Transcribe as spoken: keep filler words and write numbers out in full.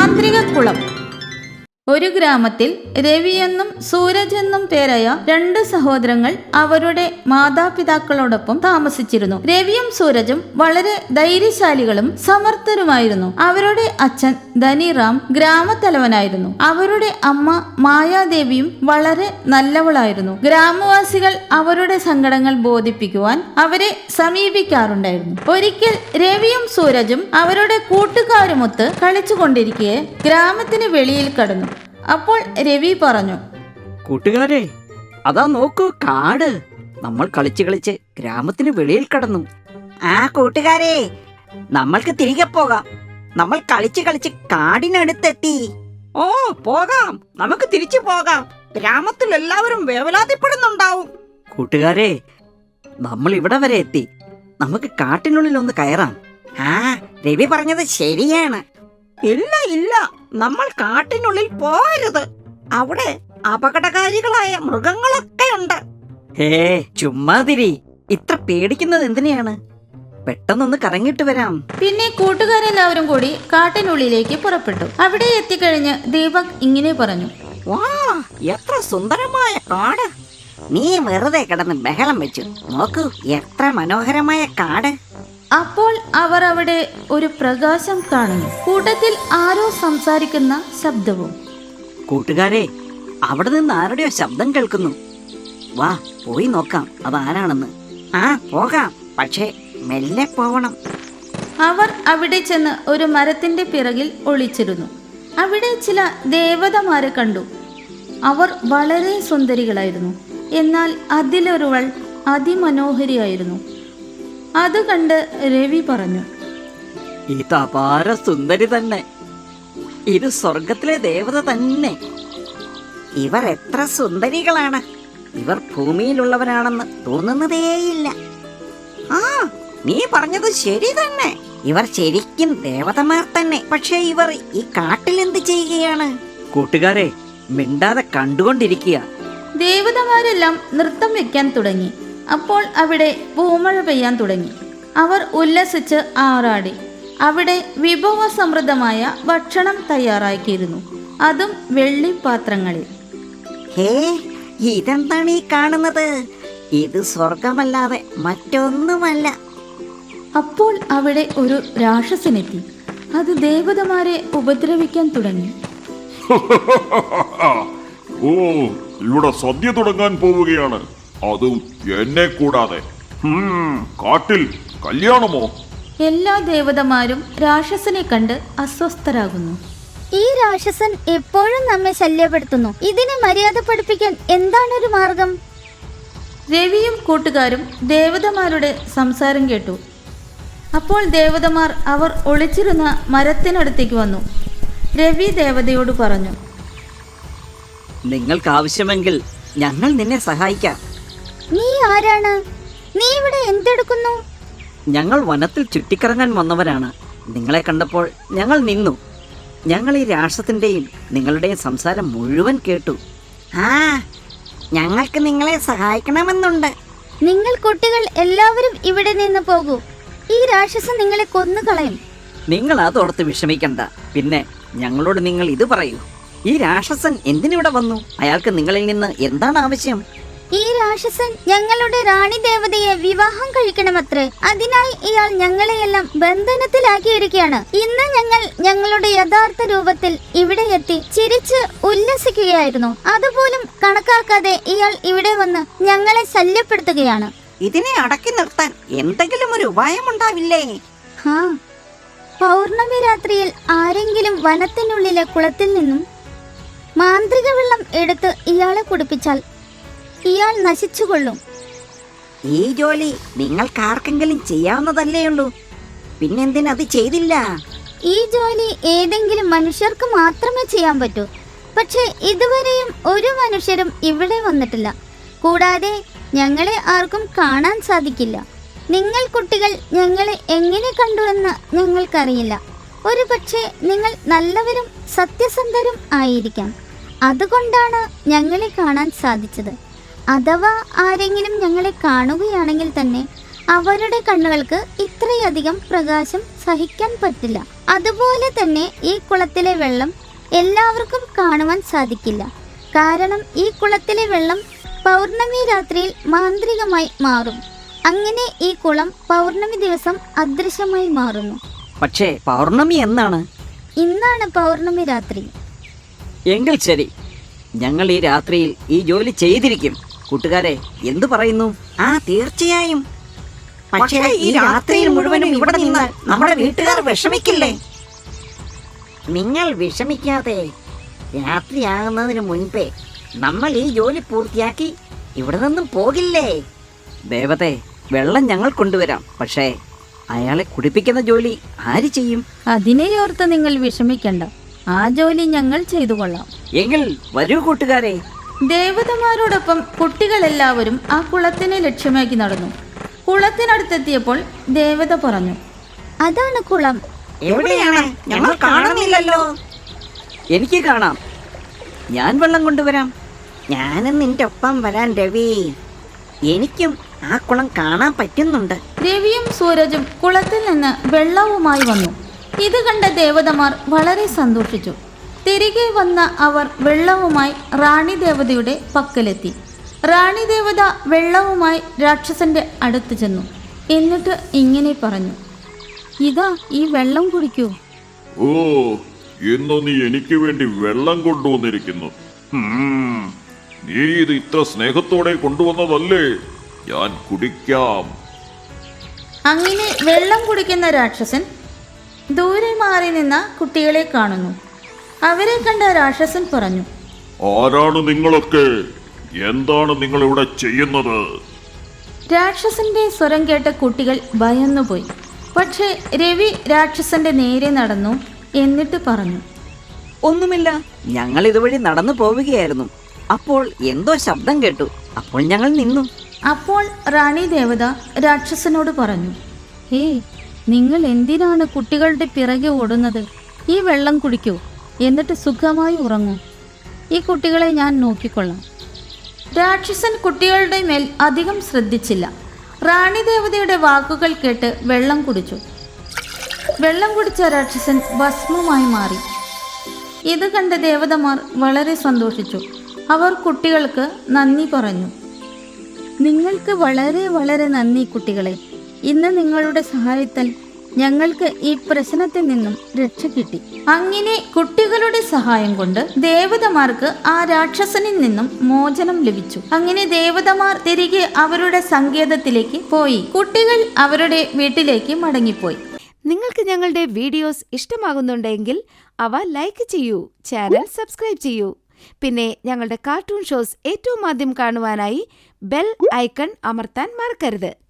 മാന്ത്രിക കുളം. ഒരു ഗ്രാമത്തിൽ രവിയെന്നും സൂരജ് എന്നും പേരായ രണ്ട് സഹോദരങ്ങൾ അവരുടെ മാതാപിതാക്കളോടൊപ്പം താമസിച്ചിരുന്നു. രവിയും സൂരജും വളരെ ധൈര്യശാലികളും സമർത്ഥരുമായിരുന്നു. അവരുടെ അച്ഛൻ ധനിറാം ഗ്രാമത്തലവനായിരുന്നു. അവരുടെ അമ്മ മായാദേവിയും വളരെ നല്ലവളായിരുന്നു. ഗ്രാമവാസികൾ അവരുടെ സങ്കടങ്ങൾ ബോധിപ്പിക്കുവാൻ അവരെ സമീപിക്കാറുണ്ടായിരുന്നു. ഒരിക്കൽ രവിയും സൂരജും അവരുടെ കൂട്ടുകാരുമൊത്ത് കളിച്ചുകൊണ്ടിരിക്കെ ഗ്രാമത്തിന് വെളിയിൽ കടന്നു. അപ്പോൾ രവി പറഞ്ഞു, കൂട്ടുകാരെ, അതാ നോക്കൂ കാട്. നമ്മൾ കളിച്ച് കളിച്ച് ഗ്രാമത്തിന് വെളിയിൽ കടന്നു. ആ കൂട്ടുകാരെ, നമ്മൾക്ക് തിരികെ പോകാം. നമ്മൾ കളിച്ച് കളിച്ച് കാടിനടുത്തെത്തി. ഓ പോകാം, നമുക്ക് തിരിച്ചു പോകാം. ഗ്രാമത്തിൽ എല്ലാവരും വേവലാതിപ്പെടുന്നുണ്ടാവും. കൂട്ടുകാരെ, നമ്മൾ ഇവിടെ വരെ എത്തി. നമുക്ക് കാട്ടിനുള്ളിൽ ഒന്ന് കയറാം. ആ രവി പറഞ്ഞത് ശരിയാണ്. ഇല്ല ഇല്ല, നമ്മൾ കാട്ടിനുള്ളിൽ പോകരുത്. അവിടെ അപകടകാരികളായ മൃഗങ്ങളൊക്കെ ഉണ്ട്. ഹേ ചുമ്മാതിരി, ഇത്ര പേടിക്കുന്നത് എന്തിനെയാണ്? പെട്ടെന്നൊന്ന് കറങ്ങിട്ട് വരാം. പിന്നെ കൂട്ടുകാരെല്ലാവരും കൂടി കാട്ടിനുള്ളിലേക്ക് പുറപ്പെട്ടു. അവിടെ എത്തിക്കഴിഞ്ഞ് ദീപക് ഇങ്ങനെ പറഞ്ഞു, വാ, എത്ര സുന്ദരമായ കാട്. നീ വെറുതെ കിടന്ന് ബഹളം വെച്ചു. നോക്കൂ, എത്ര മനോഹരമായ കാട്. അപ്പോൾ അവർ അവിടെ ഒരു പ്രകാശം കാണുന്നു. കൂട്ടത്തിൽ ആരോ സംസാരിക്കുന്ന ശബ്ദവും. കൂട്ടുകാരെ, അവിടെ നിന്ന് ആരുടെയോ ശബ്ദം കേൾക്കുന്നു. വാ പോയി നോക്കാം അതാരാണെന്ന്. ആ പോകാം, പക്ഷേ മെല്ലെ പോവണം. അവർ അവിടെ ചെന്ന് ഒരു മരത്തിന്റെ പിറകിൽ ഒളിച്ചിരുന്നു. അവിടെ ചില ദേവതമാരെ കണ്ടു. അവർ വളരെ സുന്ദരികളായിരുന്നു. എന്നാൽ അതിലൊരുവൾ അതിമനോഹരിയായിരുന്നു. അത് കണ്ട് രവി പറഞ്ഞു, ഇത് അപാര സുന്ദരി തന്നെ. ഇത് സ്വർഗത്തിലെ ദേവത തന്നെ. ഇവർ എത്ര സുന്ദരികളാണ്. ഇവർ ഭൂമിയിലുള്ളവരാണെന്ന് തോന്നുന്നതേയില്ല. ആ നീ പറഞ്ഞത് ശരി തന്നെ. ഇവർ ശരിക്കും ദേവതമാർ തന്നെ. പക്ഷേ ഇവർ ഈ കാട്ടിൽ എന്ത് ചെയ്യുകയാണ്? കൂട്ടുകാരെ, മിണ്ടാതെ കണ്ടുകൊണ്ടിരിക്കുക. ദേവതമാരെല്ലാം നൃത്തം വെക്കാൻ തുടങ്ങി. അപ്പോൾ അവിടെ പൂമഴ പെയ്യാൻ തുടങ്ങി. അവർ ഉല്ലസിച്ച് ആറാടി. അവിടെ വിഭവസമൃദ്ധമായ ഭക്ഷണം തയ്യാറാക്കിയിരുന്നു, അതും വെള്ളിപ്പാത്രങ്ങളിൽ. ഹേ, ഇതെന്താണ് ഈ കാണുന്നത്? ഇത് സ്വർഗമല്ലാതെ മറ്റൊന്നുമല്ല. അപ്പോൾ അവിടെ ഒരു രാക്ഷസനെത്തി. അത് ദേവതമാരെ ഉപദ്രവിക്കാൻ തുടങ്ങി. ഓ, ഇവിടെ സദ്യ തുടങ്ങാൻ പോവുകയാണ്, അതും എന്നെ കൂടാതെ. കാട്ടിൽ കല്യാണമോ? എല്ലാ ദേവതമാരും രാക്ഷസനെ കണ്ട് അസ്വസ്ഥരാകുന്നു. ഈ രാക്ഷസൻ എപ്പോഴും നമ്മെ ശല്യപ്പെടുത്തുന്നു. ഇതിനെ മര്യാദ പഠിപ്പിക്കാൻ എന്താണൊരു മാർഗം? രവിയും കൂട്ടുകാരും ദേവതമാരുടെ സംസാരം കേട്ടു. അപ്പോൾ ദേവതമാർ അവർ ഒളിച്ചിരുന്ന മരത്തിനടുത്തേക്ക് വന്നു. രവി ദേവതയോട് പറഞ്ഞു, നിങ്ങൾക്ക് ആവശ്യമെങ്കിൽ ഞങ്ങൾ നിന്നെ സഹായിക്കാം. നീ ആരാണ്? നീ ഇവിടെ എന്തെടുക്കുന്നു? ഞങ്ങൾ വനത്തിൽ ചുറ്റിക്കറങ്ങാൻ വന്നവരാണ്. നിങ്ങളെ കണ്ടപ്പോൾ ഞങ്ങൾ നിന്നു. ഞങ്ങൾ ഈ രാക്ഷസത്തിന്റെയും നിങ്ങളുടെയും സംസാരം മുഴുവൻ കേട്ടു. ആ ഞങ്ങൾക്ക് നിങ്ങളെ സഹായിക്കണമെന്നുണ്ട്. നിങ്ങൾ കുട്ടികൾ എല്ലാവരും ഇവിടെ നിന്ന് പോകൂ. ഈ രാക്ഷസൻ നിങ്ങളെ കൊന്നുകളയും. നിങ്ങൾ അതോർത്ത് വിഷമിക്കണ്ട. പിന്നെ ഞങ്ങളോട് നിങ്ങൾ ഇത് പറയൂ, ഈ രാക്ഷസൻ എന്തിനിവിടെ വന്നു? അയാൾക്ക് നിങ്ങളിൽ നിന്ന് എന്താണ് ആവശ്യം? ഈ രാക്ഷസൻ ഞങ്ങളുടെ റാണി ദേവതയെ വിവാഹം കഴിക്കണമത്രേ. അതിനായി ഇയാൾ ഞങ്ങളെയെല്ലാം ബന്ധനത്തിലാക്കിയിരിക്കുകയാണ്. ഇന്ന് ഞങ്ങൾ ഞങ്ങളുടെ യഥാർത്ഥ രൂപത്തിൽ ഇവിടെ എത്തി ചിരിച്ച് ഉല്ലസിക്കുകയായിരുന്നു. അതുപോലും കണക്കാക്കാതെ ഇയാൾ ഇവിടെ വന്ന് ഞങ്ങളെ ശല്യപ്പെടുത്തുകയാണ്. ഇതിനെ അടക്കി നിർത്താൻ എന്തെങ്കിലും ഒരു ഉപായമുണ്ടാവില്ലേ? ഹാ, പൗർണമി രാത്രിയിൽ ആരെങ്കിലും വനത്തിനുള്ളിലെ കുളത്തിൽ നിന്നും മാന്ത്രിക വെള്ളം എടുത്ത് ഇയാളെ കുടിപ്പിച്ചാൽ ഇയാൾ നശിച്ചുകൊള്ളും. ഈ ജോലി നിങ്ങൾക്കാർക്കെങ്കിലും ചെയ്യാവുന്നതല്ലേ ഉള്ളൂ. പിന്നെന്തിനത് ചെയ്തില്ല? ഈ ജോലി ഏതെങ്കിലും മനുഷ്യർക്ക് മാത്രമേ ചെയ്യാൻ പറ്റൂ. പക്ഷെ ഇതുവരെയും ഒരു മനുഷ്യരും ഇവിടെ വന്നിട്ടില്ല. കൂടാതെ ഞങ്ങളെ ആർക്കും കാണാൻ സാധിക്കില്ല. നിങ്ങൾ കുട്ടികൾ ഞങ്ങളെ എങ്ങനെ കണ്ടു എന്ന് ഞങ്ങൾക്കറിയില്ല. ഒരു പക്ഷേ നിങ്ങൾ നല്ലവരും സത്യസന്ധരും ആയിരിക്കാം. അതുകൊണ്ടാണ് ഞങ്ങളെ കാണാൻ സാധിച്ചത്. അഥവാ ആരെങ്കിലും ഞങ്ങളെ കാണുകയാണെങ്കിൽ തന്നെ അവരുടെ കണ്ണുകൾക്ക് ഇത്രയധികം പ്രകാശം സഹിക്കാൻ പറ്റില്ല. അതുപോലെ തന്നെ ഈ കുളത്തിലെ വെള്ളം എല്ലാവർക്കും കാണുവാൻ സാധിക്കില്ല. കാരണം ഈ കുളത്തിലെ വെള്ളം പൗർണമി രാത്രിയിൽ മാന്ത്രികമായി മാറും. അങ്ങനെ ഈ കുളം പൗർണമി ദിവസം അദൃശ്യമായി മാറുന്നു. പക്ഷേ പൗർണമി എന്നാണ്? ഇന്നാണ് പൗർണമി രാത്രി. എങ്കിൽ ശരി, ഞങ്ങൾ ഈ രാത്രിയിൽ ഈ ജോലി ചെയ്തിരിക്കും. കൂട്ടുകാരെ, എന്തു പറയുന്നു? ആ തീർച്ചയായും. പക്ഷേ ഈ രാത്രിയിൽ മുഴുവനും ഇവിടെ നിന്നാൽ നമ്മുടെ വീട്ടുകാർ വിഷമിക്കില്ലേ? നിങ്ങൾ വിഷമിക്കാതെ രാത്രിയാകുന്നതിന് മുൻപേ നമ്മൾ ഈ ജോലി പൂർത്തിയാക്കി ഇവിടെ നിന്നും പോകില്ലേ? ദേവതേ, വെള്ളം ഞങ്ങൾ കൊണ്ടുവരാം. പക്ഷേ അയാളെ കുടിപ്പിക്കുന്ന ജോലി ആര് ചെയ്യും? അതിനെയോർത്ത് നിങ്ങൾ വിഷമിക്കണ്ട, ആ ജോലി ഞങ്ങൾ ചെയ്തു കൊള്ളാം. എങ്കിൽ വരൂ കൂട്ടുകാരെ. ദേവതമാരോടൊപ്പം കുട്ടികളെല്ലാവരും ആ കുളത്തിനെ ലക്ഷ്യമാക്കി നടന്നു. കുളത്തിനടുത്തെത്തിയപ്പോൾ ദേവത പറഞ്ഞു, അതാണ് കുളം. എവിടെയാണ്? ഞങ്ങൾ കാണുന്നില്ലല്ലോ. എനിക്ക് കാണാം, ഞാൻ വെള്ളം കൊണ്ടുവരാം. ഞാനും നിന്റെ ഒപ്പം വരാൻ രവി. എനിക്കും ആ കുളം കാണാൻ പറ്റുന്നുണ്ട്. രവിയും സൂരജും കുളത്തിൽ നിന്ന് വെള്ളവുമായി വന്നു. ഇത് കണ്ട ദേവതമാർ വളരെ സന്തോഷിച്ചു. തിരികെ വന്ന അവർ വെള്ളവുമായി റാണി ദേവതയുടെ പക്കലെത്തി. റാണി ദേവത വെള്ളവുമായി രാക്ഷസന്റെ അടുത്ത് ചെന്നു. എന്നിട്ട് ഇങ്ങനെ പറഞ്ഞു, ഇതാ ഈ വെള്ളം കുടിക്കൂ. ഓ, ഇന്ന് നീ എനിക്ക് വേണ്ടി വെള്ളം കൊണ്ടുവന്നിരിക്കുന്നു. ഹും, നീ ഇത് ഇത്ര സ്നേഹത്തോടെ കൊണ്ടുവന്നതല്ലേ? ഞാൻ കുടിക്കാം. അങ്ങനെ വെള്ളം കുടിക്കുന്ന രാക്ഷസൻ ദൂരെ മാറി നിന്ന കുട്ടികളെ കാണുന്നു. അവരെ കണ്ട രാക്ഷസൻ പറഞ്ഞു, ആരാണ് നിങ്ങളൊക്കെ? എന്താണ് നിങ്ങൾ ഇവിടെ ചെയ്യുന്നത്? രാക്ഷസന്റെ സ്വരം കേട്ട കുട്ടികൾ ഭയന്നുപോയി. പക്ഷേ രവി രാക്ഷസന്റെ നേരെ നടന്നു. എന്നിട്ട് പറഞ്ഞു, ഒന്നുമില്ല, ഞങ്ങൾ ഇതുവഴി നടന്നു പോവുകയായിരുന്നു. അപ്പോൾ എന്തോ ശബ്ദം കേട്ടു. അപ്പോൾ ഞങ്ങൾ നിന്നു. അപ്പോൾ റാണി ദേവത രാക്ഷസനോട് പറഞ്ഞു, ഏയ്, നിങ്ങൾ എന്തിനാണ് കുട്ടികളുടെ പിറകെ ഓടുന്നത്? ഈ വെള്ളം കുടിക്കൂ, എന്നിട്ട് സുഖമായി ഉറങ്ങൂ. ഈ കുട്ടികളെ ഞാൻ നോക്കിക്കൊള്ളാം. രാക്ഷസൻ കുട്ടികളുടെ മേൽ അധികം ശ്രദ്ധിച്ചില്ല. റാണി ദേവതയുടെ വാക്കുകൾ കേട്ട് വെള്ളം കുടിച്ചു. വെള്ളം കുടിച്ച രാക്ഷസൻ ഭസ്മമായി മാറി. ഇത് കണ്ട ദേവതമാർ വളരെ സന്തോഷിച്ചു. അവർ കുട്ടികൾക്ക് നന്ദി പറഞ്ഞു. നിങ്ങൾക്ക് വളരെ വളരെ നന്ദി കുട്ടികളെ. ഇന്ന് നിങ്ങളുടെ സഹായത്താൽ ഞങ്ങൾക്ക് ഈ പ്രശ്നത്തിൽ നിന്നും രക്ഷ കിട്ടി. അങ്ങനെ കുട്ടികളുടെ സഹായം കൊണ്ട് ദേവതമാർക്ക് ആ രാക്ഷസനിൽ നിന്നും മോചനം ലഭിച്ചു. അങ്ങനെ ദേവതമാർ തിരികെ അവരുടെ സങ്കേതത്തിലേക്ക് പോയി. കുട്ടികൾ അവരുടെ വീട്ടിലേക്ക് മടങ്ങിപ്പോയി. നിങ്ങൾക്ക് ഞങ്ങളുടെ വീഡിയോസ് ഇഷ്ടമാകുന്നുണ്ടെങ്കിൽ അവ ലൈക്ക് ചെയ്യൂ, ചാനൽ സബ്സ്ക്രൈബ് ചെയ്യൂ. പിന്നെ ഞങ്ങളുടെ കാർട്ടൂൺ ഷോസ് ഏറ്റവും ആദ്യം കാണുവാനായി ബെൽ ഐക്കൺ അമർത്താൻ മറക്കരുത്.